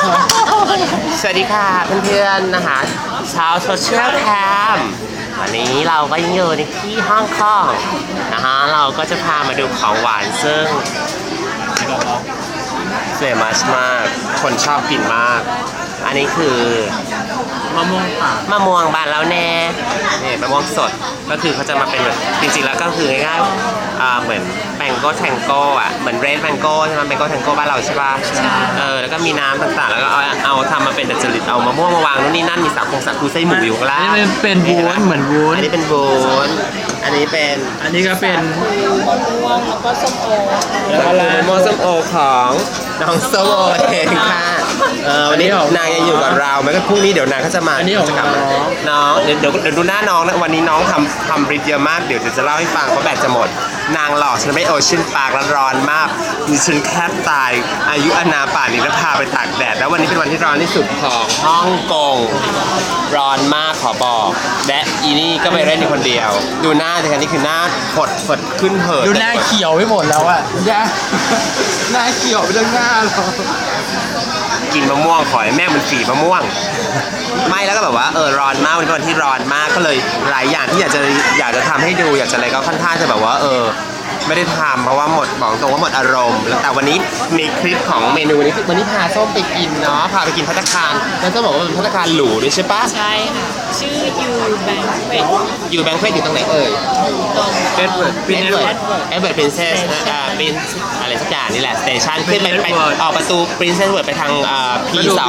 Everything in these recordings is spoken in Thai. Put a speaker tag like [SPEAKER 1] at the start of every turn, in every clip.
[SPEAKER 1] สวัสดีค่ะเพื่อนๆนะคะชาวโซเชียลแคมวันนี้เราก็ยังอยู่ในที่ฮ่องกงนะคะเราก็จะพามาดูของหวานซึ่งเฟมัสมากคนชอบกินมากอันนี้คือ
[SPEAKER 2] มะม่วงป่าม
[SPEAKER 1] ะม่วงบานแล้วแน่นี่มะม่วงสดก็คือเขาจะมาเป็นแบบจริงๆแล้วก็คือง่ายๆเหมือนแมงโก้แทงโก้อะเหมือนเรดแมงโก้ใช่ไหมแมงโก้แทงโก้บ้านเราใช่ป่ะแล้วก็มีน้ำต่างๆแล้วก็เอาทำมาเป็นดัชลิตเอามะม่วงมาวางนู่นนี่นั่นมีสาคูไส้หมูอยู่ข้างล่าง
[SPEAKER 2] อันนี้เป็นวุ้นเหมือนวุ้น
[SPEAKER 1] อันนี้เป็นวุ้นอันนี้
[SPEAKER 2] ก็เป็น
[SPEAKER 3] มะม่วงแล้วก็ส้มโอ
[SPEAKER 1] แล้วก็มะม่วงส้มโอของน้องส้มโอเองค่ะวันนี้นางยังอยู่กับเราไหมก็พรุ่งนี้เดี๋ยวนางก็จะมาจะกลับมาน้องเดี๋ยวดูหน้าน้องนะวันนี้น้องทำริดเยอะมากเดี๋ยวจะเล่าให้ฟังเพราะแบตจะหมดนางหลอกฉันไม่โอเชียนปาร์คร้อนมากดิฉันแคบตายอายุอนาป่านนี้แล้วพาไปตากแดดแล้ววันนี้เป็นวันที่ร้อนที่สุดของฮ่องกงร้อนมากขอบอกและอีนี่ก็ไปเล่นอยู่คนเดียวดูหน้าดิฉันนี่คือหน้าฝดขึ้นเหิน
[SPEAKER 2] ดูหน้าเขียวไปหมดแล้วอะหน้าเขียวไปทั้งหน้าเรา
[SPEAKER 1] กินมะม่วงขอให้แม่มันฝีมะม่วงไม่แล้วก็แบบว่าร้อนมากวันนี้เป็นวันที่ร้อนมากก็เลยหลายอย่างที่อยากจะทำให้ดูอยากจะอะไรก็ค่อนข้างจะแบบว่าไม่ได้ทำเพราะว่าบอกตรงว่าหมดอารมณ์แล้วแต่วันนี้มีคลิปของเมนูนี้วันนี้พาส้มไปกินเนาะพาไปกินภัตตาคารแล้วก็บอกว่าเป็นภัตตาคารหรูด้วยใช่ปะ
[SPEAKER 3] ใช่ค่ะชื่อยูแบงค์เฟด
[SPEAKER 1] อยู่แบงค์เฟดอยู่ตรงไหนเอ่ย
[SPEAKER 3] ตรง
[SPEAKER 2] เอ็ดเวิร์ด
[SPEAKER 1] เป็นพรินเซสเป็นอะไรสักอย่างนี่แหละสเตชันขึ้นไปออกประตูพรินเซสเวิร์ดไปทาง P2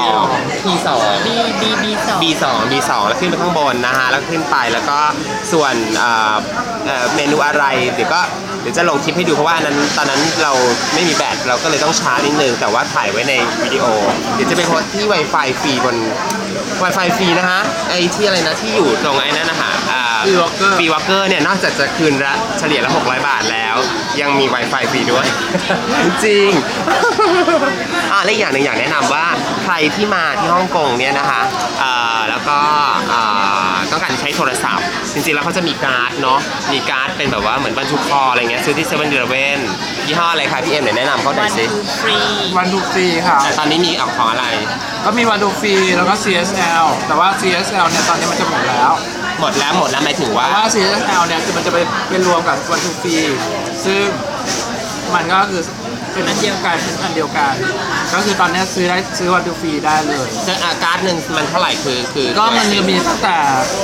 [SPEAKER 1] B2 แล้วขึ้นไปข้างบนนะฮะแล้วขึ้นไปแล้วก็ส่วนเมนูอะไรเดี๋ยวจะลงคลิปให้ดูเพราะว่าตอนนั้นเราไม่มีแบตเราก็เลยต้องช้านิดนึงแต่ว่าถ่ายไว้ในวิดีโอเดี๋ยวจะไปโพสที่ Wi-Fi ฟรีบน Wi-Fi ฟรีนะฮะไอ้ที่อะไรนะที่อยู่ตรงไอ้นั่นนะฮะฟรีวอลเกอร์เนี่ยนอกจากจะคืนละเฉลี่ยละ600 บาทแล้วยังมี Wi-Fi ฟรีด้วย จริงและอีกอย่างหนึ่งอยากแนะนำว่าใครที่มาที่ฮ่องกงเนี่ยนะคะแล้วก็ต้องการใช้โทรศัพท์จริงๆแล้วเขาจะมีการ์ดเนาะมีการ์ดเป็นแบบว่าเหมือนบรรทุกคออะไรเงี้ยซื้อที่เซเว่น11ยี่ห้ออะไรคะพี่เอ็มแนะนำเขาหน่อยสิ
[SPEAKER 2] วันดูฟรีค่ะ
[SPEAKER 1] ตอนนี้มีของอะไร
[SPEAKER 2] ก็มีวันดูฟรีแล้วก็ CSL แต่ว่า CSL เนี่ยตอนนี้มันจะหมดแล้ว
[SPEAKER 1] หมดแล้วหมายถึงว่า
[SPEAKER 2] CSL เนี่ยคือมันจะไปรวมกับวันดูฟรีซึ่งมันก็คือเป็นอันเดียวกันก็คือตอนนี้ซื้อวันดูฟรีได้เลย
[SPEAKER 1] ซึ่งการ์ดหนึ่งมันเท่าไหร่คือ
[SPEAKER 2] ก็มันจะมีตั้งแต่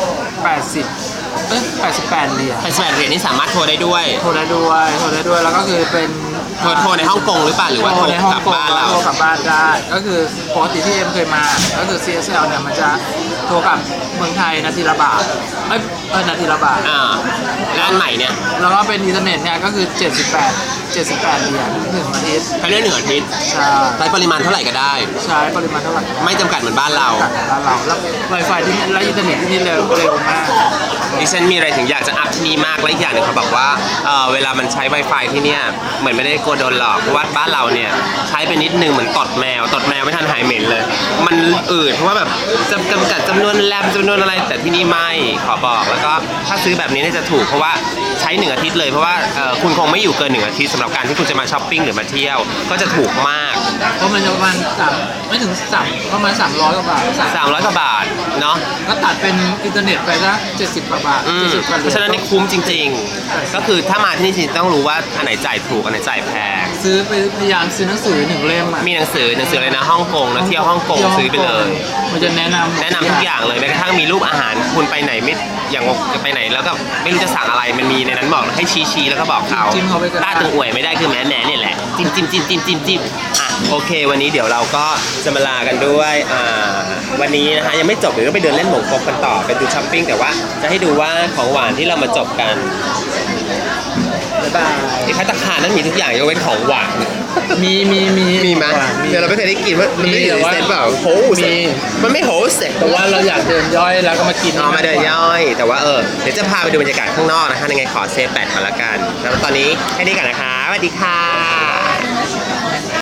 [SPEAKER 2] 88 เหรียญ
[SPEAKER 1] 88 เหรียญนี่สามารถโทรได้ด้วย
[SPEAKER 2] แล้วก็คือเป็น
[SPEAKER 1] โทรในฮ่องกงหรือเปล่าหรือว่าโทรกลับบ้านเรา
[SPEAKER 2] โทรกลับบ้านได้ก็คือปกติที่เอ็มเคยมาก็คือ CSL เนี่ยมันจะโทรกับเมืองไทยนาทีละบาทนาทีละบาท
[SPEAKER 1] ร้านใหม่เนี่ย
[SPEAKER 2] แล้วก็เป็นอินเทอร์เน็ตเนี่ยก็คือ78 เหรียญ1 อาทิตย์
[SPEAKER 1] เขาเรียก1 อาทิตย์ใช้ปริมาณเท่าไหร่ก็ได้
[SPEAKER 2] ใช้ปริมาณเท่าไหร่
[SPEAKER 1] ไม่จำกัดเหมือนบ้านเรา
[SPEAKER 2] แล้ว Wi-Fi ที่นี่และอินเทอร์เน็ตที่นี่เร็วมาก
[SPEAKER 1] ดิฉันมีอะไรถึงอยากจะอัพที่นี่มากและอีกอย่างหนึ่งเขาบอกว่าเวลามันใช้ Wi-Fi ที่เนี่ยเหมือนไม่ได้กลัวโดนหลอกเพราะว่าบ้านเราเนี่ยใช้ไปนิดนึงเหมือนตดแมวไม่ทันหายเหม็นเลยมันอืดเพราะว่าแบบจำกัดจำนวนแรมจำนวนอะไรแต่ที่นี่ไม่ขอบอกแล้วก็ถ้าซื้อแบบนี้จะถูกเพราะว่าใช้1 อาทิตย์เลยเพราะว่าคุณคงไม่อยู่เกิน1 อาทิตย์สำหรับการที่คุณจะมาช้อปปิ้งหรือมาเที่ยวก็จะถูกมาก
[SPEAKER 2] เพราะมันจะประมาณไม่ถึงประมาณ300 กว่าบาท
[SPEAKER 1] 300 กว่าบาทเนาะ
[SPEAKER 2] ก็ตัดเป็นอินเทอร์เน็ตไปซะ70 กว่าบาท
[SPEAKER 1] เพราะฉะนั้นนี่คุ้มจริงๆก็คือถ้ามาที่นี่จริงต้องรู้ว่าอันไหนจ่ายถูกอันไหนจ่ายแพง
[SPEAKER 2] ซื้อไปพยายามซื้อหนังสือ1 เล่ม
[SPEAKER 1] มีหนังสืออะไรนะฮ่องกงนะเที่ยวฮ่องกงซื้อไปเลย
[SPEAKER 2] มันจะแนะน
[SPEAKER 1] ำทุกอย่างเลยแม้กระทั่งมีรูปอาหารคุณไปไหนไม่อย่างจะไปไหนแล้วก็ไม่รู้จะสั่งอะไรมันมีในนั้นบอกให้ชี้แล้วก็บอกเขาต้าตึงอวยไม่ได้คือแหนเนี่ยแหละจิ้มโอเควันนี้เดี๋ยวเราก็จะมาลากันด้วยวันนี้นะคะยังไม่จบเดี๋ยวต้องไปเดินเล่นหมงกบกันต่อไปดูช้อปปิ้งแต่ว่าจะให้ดูว่าของหวานที่เรามาจบกันบ๊ายบายที่ภัตตาคารนั้นมีทุกอย่างยกเว้นของหวานมีไหมเดี๋ยวเราไม่เคยได้กินว่ามันไม่ได้เซ็ตเปล่าโหมันไม่โหเซ็ต
[SPEAKER 2] แต่ว่าเราอยากเดินย่อยแล้วก็มากิน
[SPEAKER 1] มาเดินย่อยแต่ว่าเดี๋ยวจะพาไปดูบรรยากาศข้างนอกนะคะยังไงขอเซฟแบตก่อนละกันแล้วตอนนี้แค่นี้ก่อนนะคะสวัสดีค่ะ